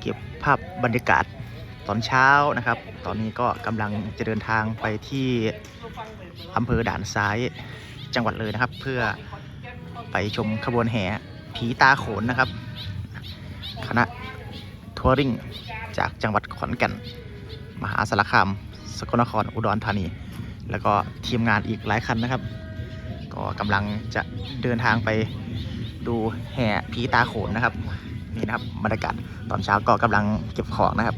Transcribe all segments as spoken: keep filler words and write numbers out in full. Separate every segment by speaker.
Speaker 1: เก็บภาพบรรยากาศตอนเช้านะครับตอนนี้ก็กำลังจะเดินทางไปที่อำเภอด่านซ้ายจังหวัดเลยนะครับเพื่อไปชมขบวนแห่ผีตาโขนนะครับคณะทัวริงจากจังหวัดขอนแก่นมหาสารคามสกลนครอุดรธานีแล้วก็ทีมงานอีกหลายคันนะครับก็กำลังจะเดินทางไปดูแห่ผีตาโขนนะครับนี่นะครับบรรยากาศตอนเช้าก็กำลังเก็บของนะครับ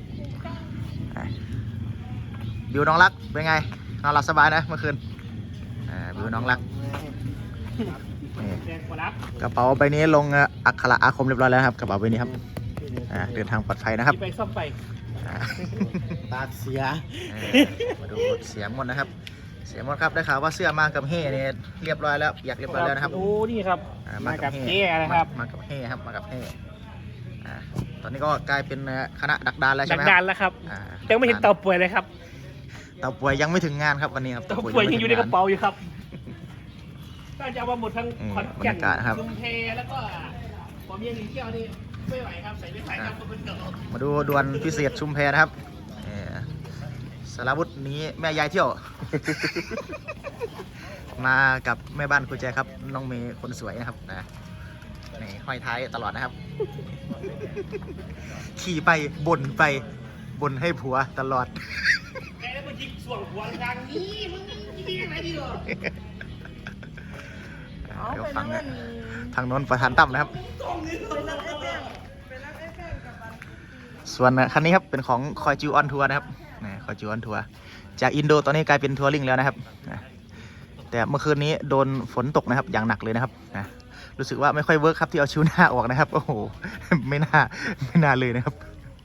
Speaker 1: บิวน้องรักเป็นไงนอนหลับสบายนะเมื่อคืนบิวน้องรักกระเป๋าใบนี้ลงอักขระอาคมเรียบร้อยแล้วครับกระเป๋าใบนี้ครับเดินทางปลอดภัยนะครับ
Speaker 2: ไปซ่อมไป
Speaker 3: ตาเสีย
Speaker 1: มาดูเสียหมดนะครับเสียหมดครับได้ข่าวว่าเสื้อมากับเฮ่เนี่ยเรียบร้อยแล้วอยากเรียบร้อยแล้วนะครับ
Speaker 2: โอ้นี่ครับ
Speaker 1: มากับเฮ่นะครับมากับเฮ่ครับมากับเฮ่ตอนนี้ก็กลายเป็นคณะดักดานแล้วใช่ไหม
Speaker 2: ดักดานแล้วครับยังไม่เห็นเต่าป่วยเลยครับ
Speaker 1: เต่าป่วยยังไม่ถึงงานครับวันนี้ครับ
Speaker 2: เต่าป่วยยังอยู่ในกระเป๋าอยู่ครับก็จะเอามาหมดทั้งขอนแก่นชุมเพแล้วก็ผมยังหนีเที่ยวนี่ไม่ไหวครับใส่ไม่ไหวครับคนเก่า
Speaker 1: มาดูดวลพิเศษชุมเพนะครับสารวุฒินี้แม่ยายเที่ยว มากับแม่บ้านคุณแจครับน้องเมย์คนสวยนะครับนะนี่ห้อยท้ายตลอดนะครับ ขี่ไปบ่นไปบ่นให้ผัวตลอด
Speaker 2: แกแล้วมายิงส่วนหัวทางนี้มึงยิงยังไงดีหรอ
Speaker 1: เดี๋ยวฟังนะทางโน้นประธานตั้มนะครับส่วนคันนี้ครับเป็นของคอยจิวออนทัวร์นะครับคอยจิวออนทัวร์จากอินโดตอนนี้กลายเป็นทัวริงแล้วนะครับแต่เมื่อคืนนี้โดนฝนตกนะครับอย่างหนักเลยนะครับรู้สึกว่าไม่ค่อยเวิร์กครับที่เอาชิวหน้าออกนะครับโอ้โหไม่น่าไม่น่าเลยนะครับ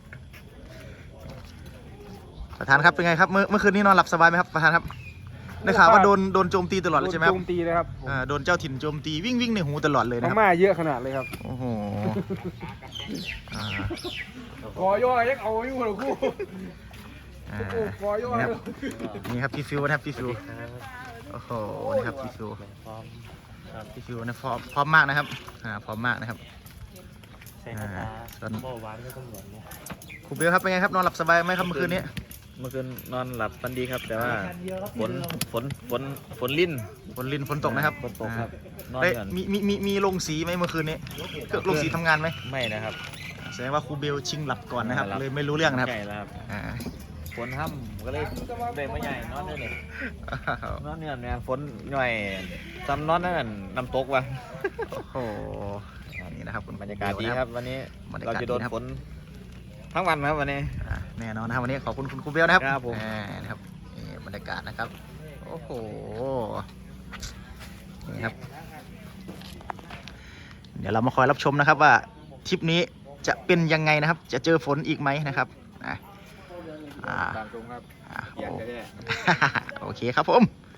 Speaker 1: ประธานครับเป็นไงครับเมื่อเมื่อคืนนี้นอนหลับสบายไหมครับประธานครับได้ข่าวว่าโดนโดนโจมตีตลอดเลยใช่ไหมครับ
Speaker 2: โจมตีเลยครับ
Speaker 1: โดนเจ้าถิ่นโจมตีวิ่งวิ่งในหูตลอดเลยนะครับ
Speaker 2: มาเยอะขนาดเลยครับ
Speaker 1: โอ้โห
Speaker 2: ขอย่อยังเอาอยู่เหรอคู่ขอย่อ
Speaker 1: นี่ครับพี่ฟิวนะครับพี่ฟิวโอ้โหนี่ครับพี่ฟิวพี่ฟิวนะพร้อมพร้อมมากนะครับอ่าพร้อมมากนะครับส่วนครูเบลครับเป็นไงครับนอนหลับสบายไหมครับเมื่อคืนนี้
Speaker 3: เมื่อคืนนอนหลับฝันดีครับแต่ว่าฝนฝนฝนฝนลิ้น
Speaker 1: ฝนลิ้นฝนตกนะครับ
Speaker 3: ฝนตกครับ
Speaker 1: ได้มีมีมีมีลงสีไหมเมื่อคืนนี้เครื่องลงสีทำงานไหม
Speaker 3: ไม่นะครับ
Speaker 1: แสดงว่าครูเบลชิงหลับก่อนนะครับเลยไม่รู้เรื่องนะครับ
Speaker 3: ใช่แล้วครับฝนห้ำก็เลยเด็กไม่ใหญ่นอนได้เลยนอนเนี่ยเนี่ยฝนหน่อยจำนอนนั่นน้ำตกว่ะ
Speaker 1: โอ้โหนี่นะครับ
Speaker 3: บรรยากาศดีครับวันนี้เราจะโดนฝนทั้งวันครับวันนี้
Speaker 1: แน่นอนนะครับวันนี้ขอบคุณคุณครูเบลนะครับ
Speaker 3: ครับผม
Speaker 1: นะครับนี่บรรยากาศนะครับโอ้โหนี่ครับเดี๋ยวเรามาคอยรับชมนะครับว่าทริปนี้จะเป็นยังไงนะครับจะเจอฝนอีกไหมนะครับอ่าโอเคครับผม